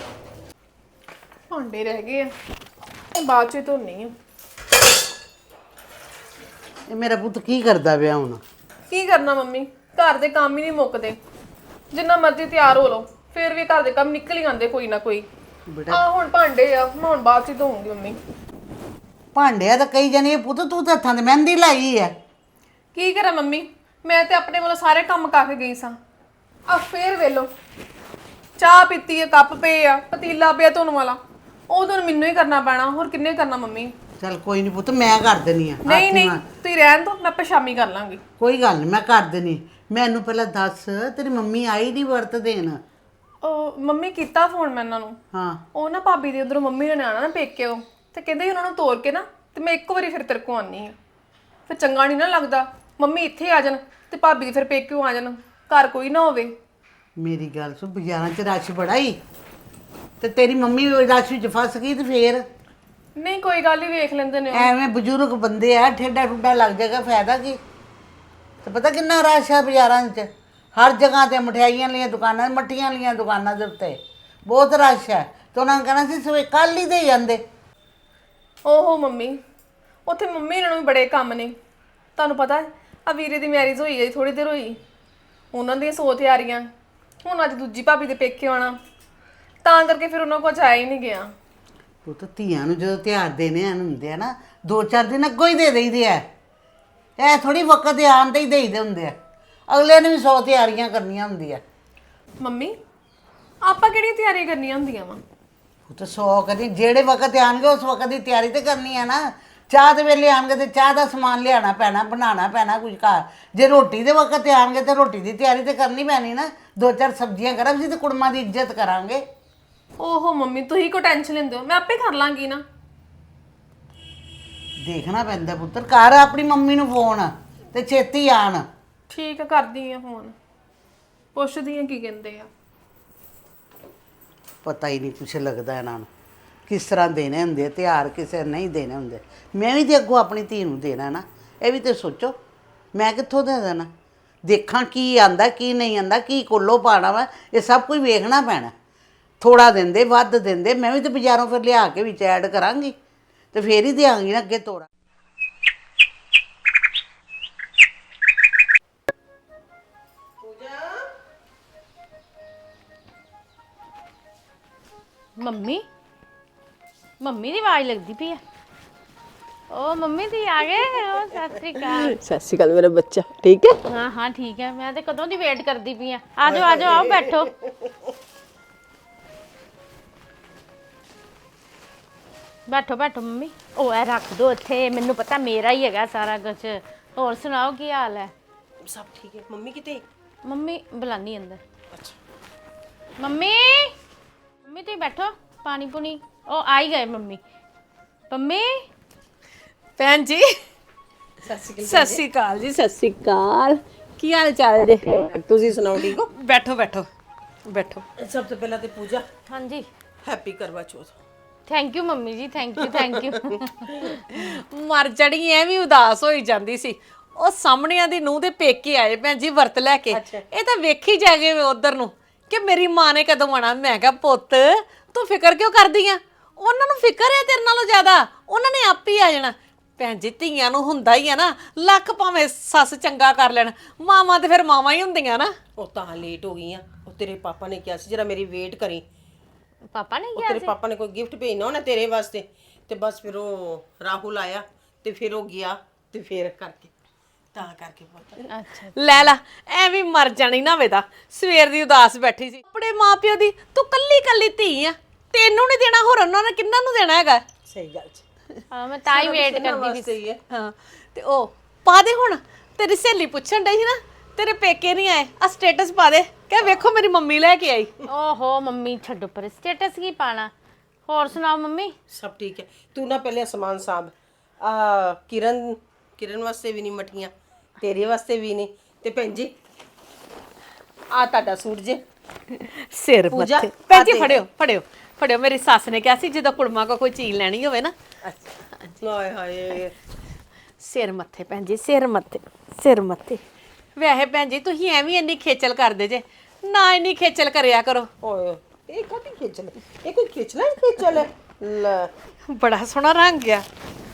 ਭਾਂਡੇ ਰਹਿ ਗਏ ਆ, ਇਹ ਬਾਅਦ ਚ ਧੋਣੀ ਆ। ਇਹ ਮੇਰਾ ਪੁੱਤ ਕੀ ਕਰਦਾ ਪਿਆ ਹੁਣ? ਕੀ ਕਰਨਾ ਮੰਮੀ, ਘਰ ਦੇ ਕੰਮ ਹੀ ਨਹੀਂ ਮੁੱਕਦੇ, ਜਿੰਨਾ ਮਰਜ਼ੀ ਤਿਆਰ ਹੋ ਲਓ ਫੇਰ ਵੀ ਘਰ ਦੇ ਕੰਮ ਨਿਕਲ ਹੀ ਆਉਂਦੇ ਕੋਈ ਨਾ ਕੋਈ। ਆ ਹੁਣ ਭਾਂਡੇ ਆ, ਮੈਂ ਹੁਣ ਬਾਅਦ ਚ ਧੋਉਂਗੀ ਮੰਮੀ। ਭਾਂਡਿਆ ਤਾਂ ਕਈ ਜਣੇ ਪੁੱਤ ਤੂੰ ਤਾਂ ਹੱਥਾਂ ਤੇ ਮਹਿੰਦੀ ਲਾਈ ਹੈ। ਕੀ ਕਰਾਂ ਮੰਮੀ, ਮੈਂ ਤੇ ਆਪਣੇ ਵੱਲੋਂ ਸਾਰੇ ਕੰਮ ਕਰਕੇ ਗਈ ਸਾਂ। ਆ ਫੇਰ ਵੇਲੋ ਚਾਹ ਪੀਤੀ ਹੈ, ਕੱਪ ਪਏ ਆ, ਪਤੀਲਾ ਪਿਆ ਧੋਣ ਵਾਲਾ, ਉਹ ਤਾਂ ਮੈਨੂੰ ਹੀ ਕਰਨਾ ਪੈਣਾ, ਹੋਰ ਕਿੰਨੇ ਕਰਨਾ ਮੰਮੀ? ਚੱਲ ਕੋਈ ਨਹੀਂ ਪੁੱਤ ਮੈਂ ਕਰ ਦੇਣੀ ਆ। ਨਹੀਂ ਨਹੀਂ ਤੁਸੀਂ ਰਹਿਣ ਦੋ, ਮੈਂ ਆਪੇ ਸ਼ਾਮੀ ਕਰ ਲਾਂਗੀ। ਕੋਈ ਗੱਲ ਨਹੀਂ ਮੈਂ ਕਰ ਦੇਣੀ। ਮੈਨੂੰ ਪਹਿਲਾਂ ਦੱਸ ਤੇਰੀ ਮੰਮੀ ਆਈ ਨਹੀਂ ਵਰਤ ਦੇਣ? ਉਹ ਮੰਮੀ ਕੀਤਾ ਫੋਨ ਮੈਂ ਇਹਨਾਂ ਨੂੰ, ਹਾਂ ਉਹ ਨਾ ਭਾਬੀ ਦੇ ਉਧਰੋਂ ਮੰਮੀ ਨੇ ਆਣਾ ਨਾ ਪੇਕੇ, ਉਹ ਤੇ ਕਹਿੰਦੇ ਉਹਨਾਂ ਨੂੰ ਤੋਰ ਕੇ ਨਾ ਤੇ ਮੈਂ ਇੱਕ ਵਾਰੀ ਫਿਰ ਤੇਰੇ ਕੋ ਆਨੀ ਆ। ਫਿਰ ਚੰਗਾ ਨਹੀਂ ਨਾ ਲੱਗਦਾ ਮੰਮੀ ਇੱਥੇ ਆ ਜਾਣ ਤੇ ਭਾਬੀ ਫਿਰ ਪੇਕਿਓ ਆ ਜਾਣ, ਘਰ ਕੋਈ ਨਾ ਹੋਵੇ। ਮੇਰੀ ਗੱਲ ਸੁਣ, ਬਾਜ਼ਾਰਾਂ 'ਚ ਰਸ਼ ਬੜਾ ਹੀ, ਤੇ ਤੇਰੀ ਮੰਮੀ ਰਸ਼ ਵਿੱਚ ਫਸ ਗਈ ਤੇ ਫੇਰ? ਨਹੀਂ ਕੋਈ ਗੱਲ ਹੀ ਵੇਖ ਲੈਂਦੇ ਨੇ ਉਹ। ਐਵੇਂ ਬਜ਼ੁਰਗ ਬੰਦੇ ਆ, ਠੇਡਾ ਠੁੱਡਾ ਲੱਗ ਜਾਏਗਾ, ਫਾਇਦਾ ਕੀ? ਤੇ ਪਤਾ ਕਿੰਨਾ ਰਸ਼ ਆ ਬਾਜ਼ਾਰਾਂ 'ਚ, ਹਰ ਜਗ੍ਹਾ ਤੇ ਮਠਿਆਈਆਂ ਲੀਆਂ ਦੁਕਾਨਾਂ, ਮੱਠੀਆਂ ਲੀਆਂ ਦੁਕਾਨਾਂ ਦੇ ਉੱਤੇ ਬਹੁਤ ਰਸ਼ ਹੈ। ਤੇ ਉਹਨਾਂ ਨੇ ਕਹਿਣਾ ਸੀ ਸਵੇ ਕੱਲ ਹੀ ਦੇ ਜਾਂਦੇ। ਓਹੋ ਮੰਮੀ, ਉੱਥੇ ਮੰਮੀ ਇਹਨਾਂ ਨੂੰ ਵੀ ਬੜੇ ਕੰਮ ਨੇ, ਤੁਹਾਨੂੰ ਪਤਾ ਹੈ ਆ ਵੀਰੇ ਦੀ ਮੈਰਿਜ ਹੋਈ ਹੈ ਥੋੜੀ ਦੇਰ ਹੋਈ, ਉਹਨਾਂ ਦੀਆਂ ਸੌ ਤਿਆਰੀਆਂ, ਹੁਣ ਅੱਜ ਦੂਜੀ ਭਾਬੀ ਦੇ ਪੇਕੇ ਆਉਣਾ, ਤਾਂ ਕਰਕੇ ਫਿਰ ਉਹਨਾਂ ਕੋਲ ਜਾਇਆ ਹੀ ਨਹੀਂ ਗਿਆ। ਉਹ ਤਾਂ ਧੀਆਂ ਨੂੰ ਜਦੋਂ ਤਿਉਹਾਰ ਦੇਣੇ ਹਨ ਹੁੰਦੇ ਆ ਨਾ, ਦੋ ਚਾਰ ਦਿਨ ਅੱਗੋਂ ਹੀ ਦੇ ਦੇਈਦੇ ਆ। ਇਹ ਥੋੜੀ ਵਕਤ ਦੇ ਆਉਣ ਤੇ ਹੀ ਦੇਈਦੇ ਹੁੰਦੇ ਆ, ਅਗਲੇ ਨੇ ਵੀ ਸੌ ਤਿਆਰੀਆਂ ਕਰਨੀਆਂ ਹੁੰਦੀਆਂ। ਮੰਮੀ ਆਪਾਂ ਕਿਹੜੀਆਂ ਤਿਆਰੀਆਂ ਕਰਨੀਆਂ ਹੁੰਦੀਆਂ ਵਾ? ਉਹ ਤਾਂ ਸੌ ਕਦੀ ਜਿਹੜੇ ਵਕਤ ਆਣਗੇ ਉਸ ਵਕਤ ਦੀ ਤਿਆਰੀ ਤੇ ਕਰਨੀ ਹੈ ਨਾ। ਚਾਹ ਦੇ ਵੇਲੇ ਆਣਗੇ ਤੇ ਚਾਹ ਦਾ ਸਮਾਨ ਲਿਆਉਣਾ ਪੈਣਾ, ਬਣਾਉਣਾ ਪੈਣਾ ਕੁਝ ਘਰ। ਜੇ ਰੋਟੀ ਦੇ ਵਕਤ ਆਣਗੇ ਤੇ ਰੋਟੀ ਦੀ ਤਿਆਰੀ ਤੇ ਕਰਨੀ ਪੈਣੀ ਨਾ। ਦੋ ਚਾਰ ਸਬਜ਼ੀਆਂ ਕਰਾਂਗੇ ਤੇ ਕੁੜਮਾਂ ਦੀ ਇੱਜ਼ਤ ਕਰਾਂਗੇ। ਓਹੋ ਮੰਮੀ ਤੁਸੀਂ ਕੋ ਟੈਨਸ਼ਨ ਲੈਂਦੇ ਹੋ, ਮੈਂ ਆਪੇ ਕਰ ਲਾਂਗੀ ਨਾ। ਦੇਖਣਾ ਪੈਂਦਾ ਪੁੱਤਰ, ਕਰ ਆਪਣੀ ਮੰਮੀ ਨੂੰ ਫੋਨ ਤੇ ਛੇਤੀ ਆਣ। ਠੀਕ ਆ, ਕਰਦੀ ਆ ਫੋਨ, ਪੁੱਛਦੀ ਆ ਕੀ ਕਹਿੰਦੇ ਆ। ਪਤਾ ਹੀ ਨਹੀਂ ਕੁਛ ਲੱਗਦਾ ਇਹਨਾਂ ਨੂੰ ਕਿਸ ਤਰ੍ਹਾਂ ਦੇਣੇ ਹੁੰਦੇ ਆ ਤਿਉਹਾਰ, ਕਿਸੇ ਨਹੀਂ ਦੇਣੇ ਹੁੰਦੇ। ਮੈਂ ਵੀ ਤੇ ਅੱਗੋਂ ਆਪਣੀ ਧੀ ਨੂੰ ਦੇਣਾ ਨਾ, ਇਹ ਵੀ ਤੇ ਸੋਚੋ। ਮੈਂ ਕਿੱਥੋਂ ਦੇ ਦੇਣਾ? ਦੇਖਾਂ ਕੀ ਆਂਦਾ ਕੀ ਨਹੀਂ ਆਂਦਾ, ਕੀ ਕੋਲੋਂ ਪਾਣਾ ਵਾ, ਇਹ ਸਭ ਕੁਝ ਵੇਖਣਾ ਪੈਣਾ। ਥੋੜਾ ਦਿੰਦੇ ਵੱਧ ਦਿੰਦੇ, ਮੈਂ ਵੀ ਤੇ ਬਾਜ਼ਾਰੋਂ ਫਿਰ ਲਿਆ ਕੇ ਵਿੱਚ ਐਡ ਕਰਾਂਗੀ ਤੇ ਫੇਰ ਹੀ ਦਿਆਂਗੀ ਨਾ ਅੱਗੇ ਤੋੜਾ। ਮੰਮੀ ਮੰਮੀ ਦੀ ਆਵਾਜ਼ ਲੱਗਦੀ ਪਈ ਆ। ਓ ਮੰਮੀ ਦੀ ਆ ਗਏ। ਓ ਸਤਿ ਸ੍ਰੀ ਅਕਾਲ। ਸਤਿ ਸ਼੍ਰੀ ਅਕਾਲ ਮੇਰਾ ਬੱਚਾ, ਠੀਕ ਹੈ? ਹਾਂ ਹਾਂ ਠੀਕ ਹੈ, ਮੈਂ ਤੇ ਕਦੋਂ ਦੀ ਵੇਟ ਕਰਦੀ ਪਈ ਆ। ਆ ਜਾਓ ਆ ਜਾਓ, ਆਓ ਬੈਠੋ। ਬੈਠੋ ਬੈਠੋ ਮੰਮੀ। ਉਹ ਐ ਰੱਖ ਦੋ ਇੱਥੇ, ਮੈਨੂੰ ਪਤਾ ਮੇਰਾ ਹੀ ਹੈਗਾ ਸਾਰਾ ਕੁਝ। ਹੋਰ ਸੁਣਾਓ ਕੀ ਹਾਲ ਹੈ? ਸਭ ਠੀਕ ਹੈ। ਮੰਮੀ ਕਿਤੇ? ਮੰਮੀ ਬੁਲਾਨੀ ਅੰਦਰ। ਅੱਛਾ। ਮੰਮੀ ਮੰਮੀ ਤੁਸੀਂ ਬੈਠੋ, ਪਾਣੀ ਪੁਣੀ। ਉਹ ਆ ਹੀ ਗਏ ਮੰਮੀ। ਮੰਮੀ ਭੈਣ ਜੀ ਸਤਿ ਸਤਿ ਸ਼੍ਰੀ ਅਕਾਲ ਜੀ। ਸਤਿ ਸ਼੍ਰੀ ਅਕਾਲ। ਕੀ ਹਾਲ ਚਾਲ ਜੀ? ਤੁਸੀਂ ਸੁਣਾਓ, ਠੀਕ ਹੋ? ਬੈਠੋ ਬੈਠੋ ਬੈਠੋ। ਸਭ ਤੋਂ ਪਹਿਲਾਂ ਤੇ ਪੂਜਾ, ਹਾਂਜੀ। Happy Karva Chauth. Thank you mummy ji, thank you thank you. ਮਰ ਜੜੀ ਐਵੇਂ ਉਦਾਸ ਹੋਈ ਜਾਂਦੀ ਸੀ। ਉਹ ਸਾਹਮਣਿਆਂ ਦੀ ਨੂੰਹ ਦੇ ਪੇਕੇ ਆਏ ਭੈਣ ਜੀ ਵਰਤ ਲੈ ਕੇ। ਇਹ ਤਾਂ ਵੇਖੀ ਜਾ ਗਏ ਉਧਰ ਨੂੰ ਕਿ ਮੇਰੀ ਮਾਂ ਨੇ ਕਦੋਂ ਆਣਾ। ਮੈਂ ਕਿਹਾ ਪੁੱਤ ਤੂੰ ਫਿਕਰ ਕਿਉਂ ਕਰਦੀ ਆ? ਉਹਨਾਂ ਨੂੰ ਫਿਕਰ ਹੈ ਤੇਰੇ ਨਾਲੋਂ ਜ਼ਿਆਦਾ, ਉਹਨਾਂ ਨੇ ਆਪ ਹੀ ਆ ਜਾਣਾ। ਭੈਣ ਜੀ ਧੀਆਂ ਨੂੰ ਹੁੰਦਾ ਹੀ ਆ ਨਾ, ਲੱਖ ਭਾਵੇਂ ਸੱਸ ਚੰਗਾ ਕਰ ਲੈਣ, ਮਾਵਾਂ ਤੇ ਫਿਰ ਮਾਵਾਂ ਹੀ ਹੁੰਦੀਆਂ ਨਾ। ਉਹ ਤਾਂ ਲੇਟ ਹੋ ਗਈ ਆ। ਉਹ ਤੇਰੇ ਪਾਪਾ ਨੇ ਕਿਹਾ ਸੀ ਜਰਾ ਮੇਰੀ ਵੇਟ ਕਰੀ। ਪਾਪਾ ਨੇ ਉਹ ਕਿਹਾ ਤੇਰੇ ਸੀ? ਪਾਪਾ ਨੇ ਕੋਈ ਗਿਫਟ ਭੇਜਣਾ ਹੋਣਾ ਤੇਰੇ ਵਾਸਤੇ, ਤੇ ਬਸ ਫਿਰ ਉਹ ਰਾਹੁਲ ਆਇਆ ਤੇ ਫਿਰ ਉਹ ਗਿਆ ਤੇ ਫਿਰ ਕਰਕੇ ਤਾਂ ਕਰਕੇ ਪੁੱਤ। ਅੱਛਾ। ਲੈ ਲਾ ਐਵੇਂ ਮਰ ਜਾਣੀ ਨਾ ਵੇਦਾ। ਸਵੇਰ ਦੀ ਉਦਾਸ ਬੈਠੀ ਸੀ ਆਪਣੇ ਮਾਪਿਓ ਦੀ। ਤੂੰ ਕੱਲੀ ਕੱਲੀ ਧੀ ਆ, ਤੈਨੂੰ ਨਹੀਂ ਦੇਣਾ, ਹੋਰ ਉਹਨਾਂ ਨੇ ਕਿੰਨਾਂ ਨੂੰ ਦੇਣਾ ਹੈਗਾ? ਸਹੀ ਗੱਲ ਜੀ। ਹਾਂ ਮੈਂ ਤਾਂ ਹੀ ਵੇਟ ਕਰਦੀ ਵੀ ਸਹੀ ਹੈ। ਹਾਂ ਤੇ ਉਹ ਪਾ ਦੇ ਹੁਣ। ਤੇਰੀ ਸਹੇਲੀ ਪੁੱਛਣ ਡਈ ਸੀ ਨਾ ਤੇਰੇ ਪੇਕੇ ਨਹੀਂ ਆਏ, ਆ ਸਟੇਟਸ ਪਾ ਦੇ ਕਿ ਵੇਖੋ ਮੇਰੀ ਮੰਮੀ ਲੈ ਕੇ ਆਈ। ਓਹੋ ਮੰਮੀ ਛੱਡੋ ਪਰ, ਸਟੇਟਸ ਕੀ ਪਾਣਾ। ਹੋਰ ਸੁਣਾਓ ਮੰਮੀ? ਸਭ ਠੀਕ ਹੈ। ਤੂੰ ਨਾ ਪਹਿਲੇ ਸਮਾਨ ਸਾਂਭ। ਆ ਕਿਰਨ ਕਿਰਨ ਵਾਸਤੇ ਵੀ ਨਹੀਂ ਮਠੀਆਂ, ਤੇਰੇ ਵਾਸਤੇ ਵੀ ਨਹੀਂ। ਤੇ ਭੈਣ ਜੀ ਆ ਤੁਹਾਡਾ ਸੂਟ ਜੇ। ਸਿਰ ਪੂਜਾ, ਮੱਥੇ ਭੈਣ ਜੀ ਆ ਦੇਖ। ਫੜਿਓ ਫੜਿਓ ਫੜਿਓ। ਮੇਰੀ ਸੱਸ ਨੇ ਕਿਹਾ ਸੀ ਜਦੋਂ ਕੁੜਮਾ ਕੋ ਕੋਈ ਚੀਜ਼ ਲੈਣੀ ਹੋਵੇ ਨਾ, ਅੱਛਾ। ਹਾਏ ਹਾਏ। ਸਿਰ ਮੱਥੇ ਭੈਣ ਜੀ, ਸਿਰ ਮੱਥੇ ਸਿਰ ਮੱਥੇ। ਵੈਸੇ ਭੈਣ ਜੀ ਤੁਸੀਂ ਐਵੇਂ ਇੰਨੀ ਖੇਚਲ ਕਰਦੇ ਜੇ, ਨਾ ਇੰਨੀ ਖੇਚਲ ਕਰਿਆ ਕਰੋ। ਓਏ ਇਹ ਕਾਹਦੀ ਖੇਚਲ ਹੈ? ਇਹ ਕੋਈ ਖੇਚਲਾ ਹੀ ਖੇਚਲ ਹੈ। ਲੈ ਬੜਾ ਸੋਹਣਾ ਰੰਗ ਆ।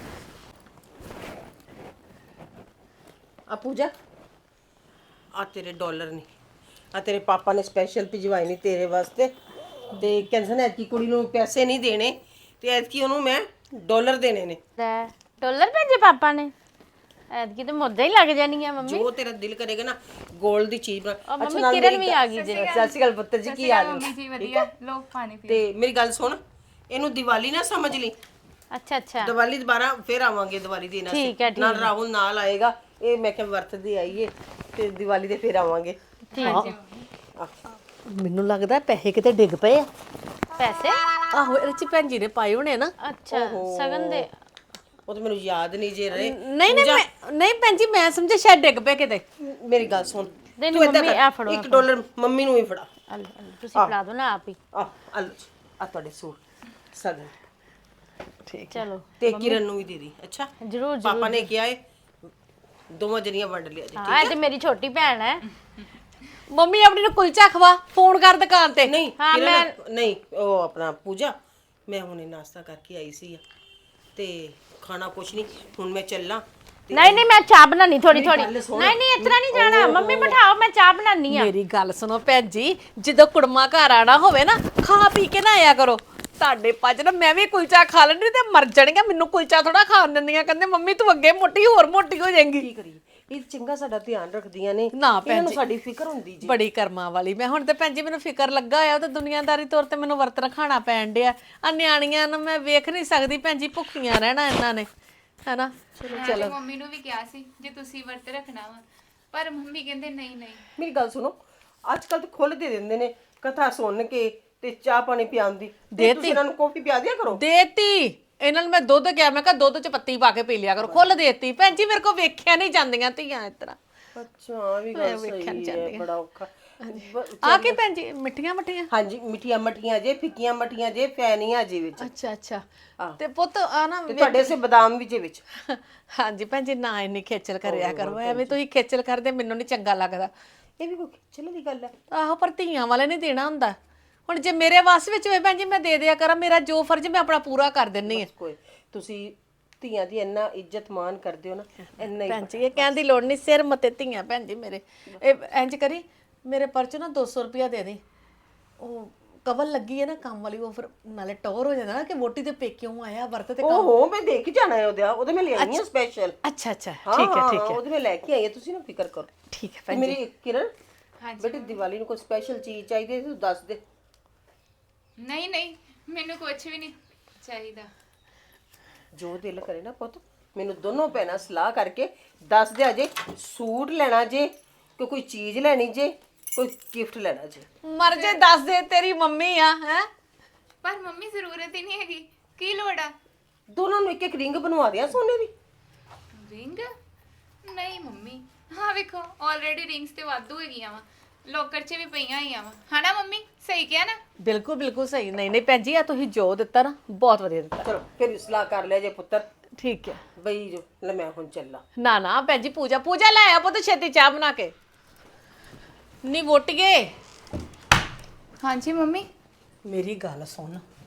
ਆ ਪੂਜਾ, ਆ ਤੇਰੇ ਡਾਲਰ ਨਹੀਂ, ਆ ਤੇਰੇ ਪਾਪਾ ਨੇ ਸਪੈਸ਼ਲ ਭਿਜਵਾਏ ਨਹੀਂ ਤੇਰੇ ਵਾਸਤੇ। ਤੇ ਕਹਿੰਦੇ ਨੇ ਐਤਕੀ ਕੁੜੀ ਨੂੰ ਪੈਸੇ ਨਹੀਂ ਦੇਣੇ, ਤੇ ਐਤਕੀ ਉਹਨੂੰ ਮੈਂ ਡਾਲਰ ਦੇਣੇ ਨੇ। ਲੈ ਡਾਲਰ ਭੇਜੇ ਪਾਪਾ ਨੇ? ਐਤਕੀ ਤੇ ਮੁੱਦਾ ਹੀ ਲੱਗ ਜਾਣੀ ਆ ਮੰਮੀ। ਜੋ ਤੇਰਾ ਦਿਲ ਕਰੇਗਾ ਨਾ 골ਡ ਦੀ ਚੀਜ਼ ਬਣਾ। ਉਹ ਮੰਮੀ ਨਾਲ ਕਿਰਨ ਮੇਰੀ ਵੀ ਆ ਗਈ ਜੇ। ਸਤਿ ਸ਼੍ਰੀ ਅਕਾਲ ਪੁੱਤਰ ਜੀ, ਕੀ ਹਾਲ ਹੈ? ਮੰਮੀ ਜੀ ਵਧੀਆ। ਲੋ ਪਾਣੀ ਪੀ। ਤੇ ਮੇਰੀ ਗੱਲ ਸੁਣ, ਇਹਨੂੰ ਦੀਵਾਲੀ ਨਾ ਸਮਝ ਲਈ। ਅੱਛਾ ਅੱਛਾ ਦੀਵਾਲੀ ਦੁਬਾਰਾ ਫੇਰ ਆਵਾਂਗੇ ਦੀਵਾਲੀ ਦੇ ਨਾਲ। ਠੀਕ ਹੈ, ਠੀਕ ਨਾਲ ਰਾਹੁਲ ਨਾਲ ਆਏਗਾ। ਇਹ ਮੈਂ ਕਿਹਾ ਵਰਤਦੇ ਆਈਏ ਤੇ ਦੀਵਾਲੀ ਦੇ ਫੇਰ ਆਵਾਂਗੇ। ਠੀਕ। ਮੈਨੂੰ ਲੱਗਦਾ ਪੈਸੇ ਕਿਤੇ ਡਿੱਗ ਪਏ ਆ। ਪੈਸੇ? ਆਹੋ ਇਹਦੇ ਚ ਭੈਣ ਜੀ ਨੇ ਪਾਏ ਹੋਣੇ ਨਾ। ਅੱਛਾ ਸਗਨ ਦੇ। ਉਹ ਤਾਂ ਮੈਨੂੰ ਯਾਦ ਨਹੀਂ ਜੇ ਰਹੇ। ਨਹੀਂ ਨਹੀਂ ਮੈਂ ਨਹੀਂ ਭੈਣ ਜੀ, ਮੈਂ ਸਮਝਿਆ ਸ਼ਾਇਦ ਡਿੱਗ ਪਏ ਕਿਤੇ। ਮੇਰੀ ਗੱਲ ਸੁਣ, ਨਹੀਂ, ਤੂੰ ਏਦਾਂ ਮੰਮੀ, ਕਰ, ਆਹ ਫੜੋ, ਇੱਕ ਡਾਲਰ ਮੰਮੀ ਨੂੰ ਹੀ ਫੜਾ। ਆ ਲਓ, ਆ ਲਓ, ਤੁਸੀਂ ਫੜਾ ਦਿਓ ਨਾ ਆਪ ਹੀ। ਆ ਆ ਲਓ ਜੀ, ਆ ਤੁਹਾਡੇ ਸੂਟ ਸਗਨ। ਠੀਕ। ਚਲੋ ਤੇ ਕਿਰਨ ਨੂੰ ਵੀ ਦੇ ਦੀ। ਅੱਛਾ ਜਰੂਰ ਜਰੂਰ। ਪਾਪਾ ਨੇ ਕਿਹਾ ਏ ਦੋਵਾਂ ਜਣੀਆਂ ਵੰਡ ਲਿਆ ਜੀ। ਹਾਂ ਇਹ ਤੇ ਮੇਰੀ ਛੋਟੀ ਭੈਣ ਹੈ। ਮੰਮੀ ਆਪਣੀ ਨੂੰ ਕੁਲਚਾ ਖਵਾ, ਫੋਨ ਕਰ ਦੁਕਾਨ ਤੇ। ਨਹੀਂ ਹਾਂ, ਕਿਰਨ, ਮੈਂ- ਨਹੀਂ ਉਹ ਆਪਣਾ ਪੂਜਾ, ਮੈਂ ਹੁਣੇ ਨਾਸ਼ਤਾ ਕਰਕੇ ਆਈ ਸੀ ਤੇ ਖਾਣਾ ਕੁਛ ਨਹੀਂ। ਹੁਣ ਮੈਂ ਚੱਲਾਂ ਨਹੀਂ ਨਹੀਂ ਮੈਂ ਚਾਹ ਬਣਾਣੀ ਥੋੜੀ ਥੋੜੀ ਨਹੀਂ ਨਹੀਂ ਇਤਨਾ ਨਹੀਂ ਜਾਣਾ ਮੰਮੀ ਬਿਠਾਓ ਮੈਂ ਚਾਹ ਬਣਾਣੀ ਆ ਮੇਰੀ ਗੱਲ ਸੁਣੋ ਭੈਣ ਜੀ, ਜਦੋਂ ਕੁੜਮਾ ਘਰ ਆਣਾ ਹੋਵੇ ਨਾ ਖਾ ਪੀ ਕੇ ਨਾ ਆਇਆ ਕਰੋ। ਤੁਹਾਡੇ ਪੱਜ ਨਾ ਮੈਂ ਵੀ ਕੁਲਚਾ ਖਾ ਲੈਣੀ ਤੇ ਮਰ ਜਾਣੀਆਂ, ਮੈਨੂੰ ਕੁਲਚਾ ਥੋੜਾ ਖਾਣ ਦਿੰਦੀਆਂ। ਕਹਿੰਦੇ ਮੰਮੀ ਤੂੰ ਅੱਗੇ ਮੋਟੀ ਹੋਰ ਮੋਟੀ ਹੋ ਜਾਏਂਗੀ। ਕੀ ਕਰੀਏ, ਇਹ ਚੰਗਾ ਸਾਡਾ ਧਿਆਨ ਰੱਖਦੀਆਂ ਨੇ, ਨਾ ਇਹਨਾਂ ਭੈਣ ਨੂੰ ਜੀ ਸਾਡੀ ਫਿਕਰ ਹੁੰਦੀ ਜੀ। ਬੜੀ ਕਰਮਾਂ ਵਾਲੀ ਮੈਂ। ਹੁਣ ਤੇ ਭੈਣ ਜੀ ਮੈਨੂੰ ਫਿਕਰ ਲੱਗਾ ਹੋਇਆ ਤੇ ਦੁਨੀਆਦਾਰੀ ਤੌਰ ਤੇ ਮੈਨੂੰ ਵਰਤ ਰਖਾਣਾ ਪੈਣ ਡਿਆ। ਆ ਨਿਆਣੀਆਂ ਨੂੰ ਮੈਂ ਵੇਖ ਨਹੀਂ ਸਕਦੀ ਭੈਣ ਜੀ, ਭੁੱਖੀਆਂ ਰਹਿਣਾ ਇਹਨਾਂ ਨੇ, ਹੈਨਾ। ਚਲੋ ਮੰਮੀ ਨੂੰ ਵੀ ਕਿਹਾ ਸੀ ਜੇ ਤੁਸੀਂ ਵਰਤ ਰੱਖਣਾ ਵਾ, ਪਰ ਮੰਮੀ ਕਹਿੰਦੇ ਨਹੀਂ ਨਹੀਂ। ਮੇਰੀ ਗੱਲ ਸੁਣੋ, ਅੱਜ ਕੱਲ ਤਾਂ ਖੁੱਲ ਦੇ ਦਿੰਦੇ ਨੇ ਕਥਾ ਸੁਣ ਕੇ ਤੇ ਚਾਹ ਪਾਣੀ ਪਿਆਉਣ ਦੀ। ਤੇ ਤੁਸੀਂ ਇਹਨਾਂ ਨੂੰ ਕੌਫੀ ਪਿਆ ਦਿਆ ਕਰੋ। ਦੇਤੀ ਇਹਨਾਂ ਨੂੰ ਮੈਂ ਦੁੱਧ ਕਿਹਾ, ਮੈਂ ਕਿਹਾ ਦੁੱਧ ਚ ਪੱਤੀ ਪਾ ਕੇ ਪੀ ਲਿਆ ਕਰੋ। ਖੁੱਲ ਦੇਤੀ ਭੈਣ ਜੀ, ਮੇਰੇ ਕੋ ਵੇਖਿਆ ਨਹੀਂ ਜਾਂਦੀਆਂ ਧੀਆਂ ਇਸ ਤਰ੍ਹਾਂ। ਅੱਛਾ ਆ ਵੀ ਗੱਲ ਸਹੀ ਹੈ, ਬੜਾ ਔਖਾ। ਆ ਕੀ ਭੈਣ ਜੀ ਮਿੱਠੀਆਂ ਮੱਠੀਆਂ? ਹਾਂਜੀ ਮਿੱਠੀਆਂ ਮੱਠੀਆਂ ਜੇ, ਫਿੱਕੀਆਂ ਮੱਠੀਆਂ ਜੇ, ਫੈਨੀਆਂ ਜੇ ਵਿੱਚ। ਅੱਛਾ ਅੱਛਾ। ਤੇ ਪੁੱਤ ਆ ਨਾ ਤੇ ਤੁਹਾਡੇ ਸੇ ਬਦਾਮ ਵੀ ਜੇ ਵਿੱਚ। ਹਾਂਜੀ ਭੈਣ ਜੀ ਨਾ ਇੰਨੀ ਖੇਚਲ ਕਰਿਆ ਕਰੋ, ਐਵੇਂ ਤੁਸੀਂ ਖੇਚਲ ਕਰਦੇ ਮੈਨੂੰ ਨਹੀਂ ਚੰਗਾ ਲੱਗਦਾ। ਇਹ ਵੀ ਕੋਈ ਖੇਚਲ ਦੀ ਗੱਲ ਹੈ। ਆਹੋ ਪਰ ਧੀਆਂ ਵਾਲੇ ਨੇ ਦੇਣਾ ਹੁੰਦਾ। ਹੁਣ ਜੇ ਮੇਰੇ ਵੱਸ ਵਿੱਚ ਹੋਏ ਭੈਣ ਜੀ ਮੈਂ ਦੇ ਦਿਆ ਕਰਾਂ, ਮੇਰਾ ਜੋ ਫਰਜ਼ ਮੈਂ ਆਪਣਾ ਪੂਰਾ ਕਰ ਦਿੰਨੀ ਆ। ਕੋਈ ਤੁਸੀਂ ਧੀਆਂ ਦੀ ਇੰਨਾ ਇੱਜ਼ਤ ਮਾਨ ਕਰਦੇ ਹੋ ਨਾ, ਇੰਨਾ ਹੀ ਭੈਣ ਜੀ ਇਹ ਕਹਿਣ ਦੀ ਲੋੜ ਨਹੀਂ, ਸਿਰ ਮਤੇ ਧੀਆਂ ਭੈਣ ਜੀ ਮੇਰੇ। ਇਹ ਇੰਜ ਕਰੀ ਮੇਰੇ ਪਰਚ ਨਾ ਦੋ ਸੌ ਰੁਪਇਆ ਦੇ ਦੇ। ਉਹ ਕਵਲ ਲੱਗੀ ਹੈ ਨਾ ਕੰਮ ਵਾਲੀ, ਉਹ ਫਿਰ ਨਾਲੇ ਟੌਰ ਹੋ ਜਾਂਦਾ ਨਾ ਕਿ ਵੋਟੀ ਦੇ ਪੇਕਿਓਂ ਆਇਆ ਵਰਤ ਤੇ। ਓਹੋ ਮੈਂ ਦੇਖ ਕੇ ਜਾਣਾ ਹੈ ਉਹਦੇ, ਉਹਦੇ ਮੈਂ ਲੈ ਆਈ ਹਾਂ ਸਪੈਸ਼ਲ। ਅੱਛਾ ਅੱਛਾ ਠੀਕ ਹੈ ਠੀਕ ਹੈ ਉਹਦੇ ਮੈਂ ਲੈ ਕੇ ਆਈ ਹਾਂ, ਤੁਸੀਂ ਨਾ ਫਿਕਰ ਕਰੋ। ਠੀਕ ਹੈ ਤੇ ਭੈਣ ਮੇਰੀ ਕਿਰਨ, ਹਾਂਜੀ ਬੇਟੇ ਦੀਵਾਲੀ ਨੂੰ ਕੋਈ ਸਪੈਸ਼ਲ ਚੀਜ਼ ਚਾਹੀਦੀ ਹੈ ਤੂੰ ਦੱਸ ਦੇ। ਨਹੀਂ ਨਹੀਂ ਮੈਨੂੰ ਕੁਝ ਵੀ ਨਹੀਂ ਚਾਹੀਦਾ। ਜੋ ਦਿਲ ਕਰੇ ਨਾ ਪੁੱਤ, ਮੈਨੂੰ ਦੋਨੋਂ ਭੈਣਾਂ ਸਲਾਹ ਕਰਕੇ ਦੱਸ ਦਿਆ ਜੇ। ਸੂਟ ਲੈਣਾ ਜੇ ਕਿ ਕੋਈ ਚੀਜ਼ ਲੈਣੀ ਜੇ, ਕੋਈ ਗਿਫਟ ਲੈਣਾ ਜੇ। ਮਰ ਜੇ ਦੱਸ ਦੇ, ਤੇਰੀ ਮੰਮੀ ਆ ਹੈ। ਪਰ ਮੰਮੀ ਜ਼ਰੂਰਤ ਹੀ ਨਹੀਂ ਹੈਗੀ, ਕੀ ਲੋੜ ਆ? ਦੋਨਾਂ ਨੂੰ ਇੱਕ ਇੱਕ ਰਿੰਗ ਬਣਵਾ ਦਿਆਂ ਸੋਨੇ ਦੀ। ਰਿੰਗ? ਨਹੀਂ ਮੰਮੀ, ਹਾਂ ਵੇਖੋ ਆਲਰੇਡੀ ਰਿੰਗਸ ਤੇ ਵਾਧੂ ਹੈਗੀਆਂ ਵਾ, ਲੋਕਰ 'ਚ ਵੀ ਪਈਆਂ ਹੋਈਆਂ ਵਾ, ਹਨਾ ਮੰਮੀ? ਸਹੀ ਕਿਹਾ ਨਾ? ਬਿਲਕੁਲ ਬਿਲਕੁਲ ਸਹੀ। ਨਹੀਂ ਨਹੀਂ ਭੈਣ ਜੀ ਆ ਤੁਸੀਂ ਜੋ ਦਿੱਤਾ ਨਾ ਬਹੁਤ ਵਧੀਆ ਦਿੱਤਾ। ਚਲੋ ਫਿਰ ਸਲਾਹ ਕਰ ਲਿਆ ਜੇ ਪੁੱਤਰ। ਠੀਕ ਹੈ। ਬਈ ਜੋ ਲੈ ਮੈਂ ਹੁਣ ਚੱਲਾਂ। ਨਾ ਨਾ ਭੈਣ ਜੀ ਪੂਜਾ ਪੂਜਾ ਲੈ ਆ ਪੁੱਤ ਛੇਤੀ ਚਾਹ ਬਣਾ ਕੇ। ਨੀ ਵੋਟੀਏ ਹਾਂਜੀ ਮੰਮੀ। ਮੇਰੀ ਗੱਲ ਸੁਣ,